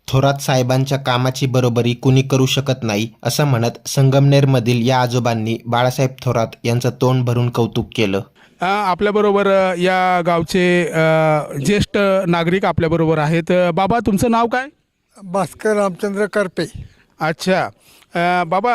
थोरात साहेबांच्या कामाची बरोबरी कुणी करू शकत नाही असं म्हणत संगमनेरमधील या आजोबांनी बाळासाहेब थोरात यांचं तोंड भरून कौतुक केलं. आपल्याबरोबर या गावचे ज्येष्ठ नागरिक आपल्याबरोबर आहेत. बाबा, तुमचं नाव काय? भास्कर रामचंद्र करपे. अच्छा. बाबा,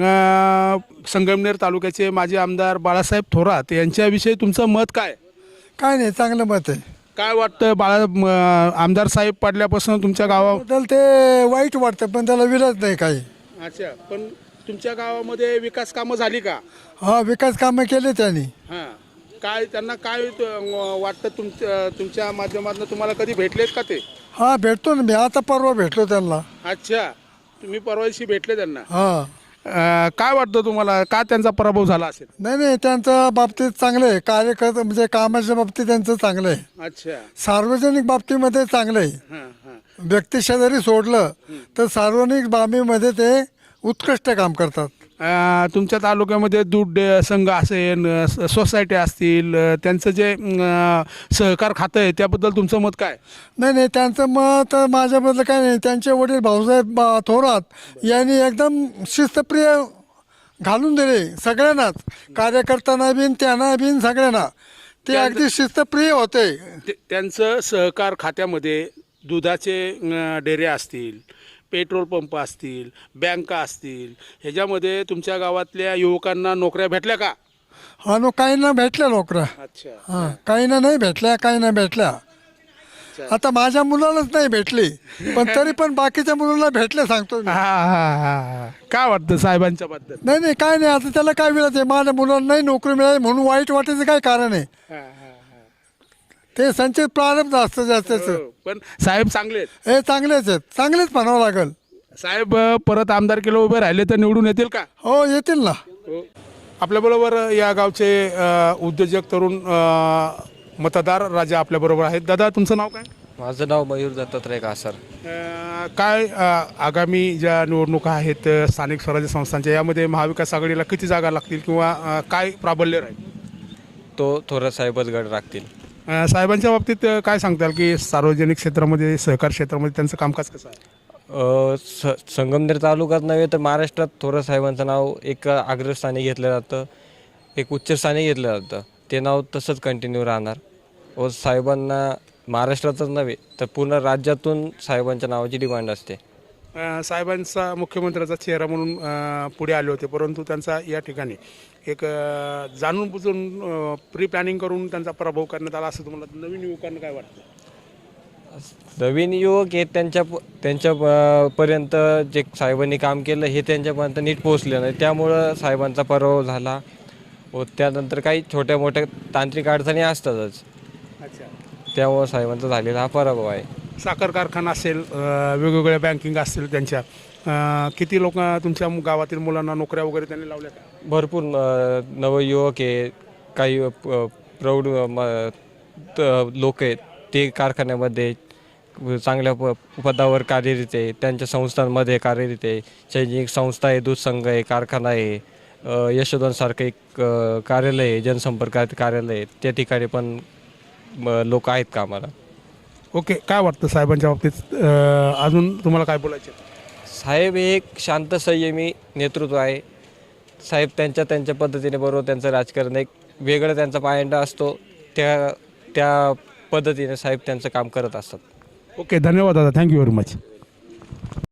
संगमनेर तालुक्याचे माजी आमदार बाळासाहेब थोरात यांच्याविषयी तुमचं मत काय? काय नाही, चांगलं मत आहे. काय वाटतं आमदार साहेब पडल्यापासून तुमच्या गावाबद्दल? त्याला ते वाईट वाटतं, पण त्याला विरोध नाही काही. अच्छा, पण तुमच्या गावामध्ये विकास कामं झाली का? हा, विकास कामं केले त्यांनी. हां, काय त्यांना काय वाटतं तुमच्या माध्यमातून तुम्हाला कधी भेटलेत का ते? हा, भेटतो ना मी. आता परवा भेटलो त्यांना. अच्छा, तुम्ही परवा दिवशी भेटले त्यांना. हा, काय वाटतं तुम्हाला, का त्यांचा पराभव झाला असेल? नाही, त्यांच्या बाबतीत चांगलं आहे. कार्यकर्ता म्हणजे कामाच्या बाबतीत त्यांचं चांगलं आहे. अच्छा. सार्वजनिक बाबतीमध्ये चांगलं आहे. हां हां. व्यक्तिशः जरी सोडलं तर सार्वजनिक बाबीमध्ये ते उत्कृष्ट काम करतात. तुमच्या तालुक्यामध्ये दूध संघ असेल, सोसायटी असतील, त्यांचं जे सहकार खातं आहे त्याबद्दल तुमचं मत काय? नाही, त्यांचं मत माझ्याबद्दल काय नाही. त्यांचे वडील भाऊसाहेब थोरात यांनी एकदम शिस्तप्रिय घालून दिले सगळ्यांनाच, कार्यकर्त्यांना बिन त्यांना बिन सगळ्यांना. ते अगदी शिस्तप्रिय होते. त्यांचं सहकार खात्यामध्ये दुधाचे डेरे असतील, पेट्रोल पंप असतील, बँका असतील, ह्याच्यामध्ये तुमच्या गावातल्या युवकांना नोकऱ्या भेटल्या का? हा, काहींना भेटल्या नोकऱ्या. अच्छा. हां, काहींना नाही भेटल्या, काहींना भेटल्या. आता माझ्या मुलालाच नाही भेटली, पण तरी पण बाकीच्या मुलांना भेटले, सांगतो मी. हा. काय वाटतं साहेबांच्या बद्दल? नाही, काय नाही. आता त्याला काय मिळत आहे? माझ्या मुलांना नाही नोकरी मिळाली म्हणून वाईट वाटायचं काय कारण आहे? ते संचित प्रारंभ असतं जास्तच. पण साहेब चांगले आहेत. हे चांगलेच आहेत, चांगलेच म्हणावं लागेल. साहेब परत आमदारकीला उभे राहिले तर निवडून येतील का? हो, येतील ना. आपल्याबरोबर या गावचे उद्योजक तरुण मतदार राजा आपल्याबरोबर आहेत. दादा, तुमचं नाव काय? माझं नाव मयूर दत्तात्रय कासार. काय आगामी ज्या निवडणुका आहेत स्थानिक स्वराज्य संस्थांच्या, यामध्ये महाविकास आघाडीला किती जागा लागतील किंवा काय प्राबल्य राहील? तो थोरात साहेबच गड राखतील. साहेबांच्या बाबतीत काय सांगताल की सार्वजनिक क्षेत्रामध्ये, सहकार क्षेत्रामध्ये त्यांचं कामकाज कसं आहे? संगमनेर तालुक्यात नव्हे तर महाराष्ट्रात थोरात साहेबांचं नाव एक अग्रस्थानी घेतलं जातं, एक उच्चस्थानी घेतलं जातं. ते नाव तसंच कंटिन्यू राहणार व साहेबांना महाराष्ट्रातच नव्हे तर पूर्ण राज्यातून साहेबांच्या नावाची डिमांड असते. साहेबांचा मुख्यमंत्र्याचा चेहरा म्हणून पुढे आले होते, परंतु त्यांचा या ठिकाणी एक जाणून बुजून प्री प्लॅनिंग करून त्यांचा पराभव करण्यात आला असं तुम्हाला नवीन युवकांना काय वाटतं? नवीन युवक हे त्यांच्या पर्यंत जे साहेबांनी काम केलं हे त्यांच्यापर्यंत नीट पोहोचले नाही, त्यामुळं साहेबांचा पराभव झाला. व त्यानंतर काही छोट्या मोठ्या तांत्रिक अडचणी असतातच. अच्छा. त्यामुळं साहेबांचा झालेला हा पराभव आहे. साखर कारखाना असेल, वेगवेगळ्या बँकिंग असतील, त्यांच्या किती लोक तुमच्या गावातील मुलांना नोकऱ्या वगैरे त्यांनी लावल्या का? भरपूर नवयुवक आहे, काही प्रौढ लोक आहेत, ते कारखान्यामध्ये चांगल्या पदावर कार्यरत आहे, त्यांच्या संस्थांमध्ये कार्यरत आहे. शैक्षणिक संस्था आहे, दूध संघ आहे, कारखाना आहे, यशोधनसारखं एक कार्यालय आहे, जनसंपर्क कार्यालय आहे, त्या ठिकाणी पण लोक आहेत कामाला. ओके. काय वाटतं साहेबांच्या बाबतीत अजून तुम्हाला काय बोलायचं? साहेब हे एक शांत संयमी नेतृत्व आहे. साहेब त्यांच्या पद्धतीने, बरोबर त्यांचं राजकारण एक वेगळं त्यांचा पायंडा असतो, त्या पद्धतीने साहेब त्यांचं काम करत असतात. ओके, धन्यवाद दादा. Thank you very much.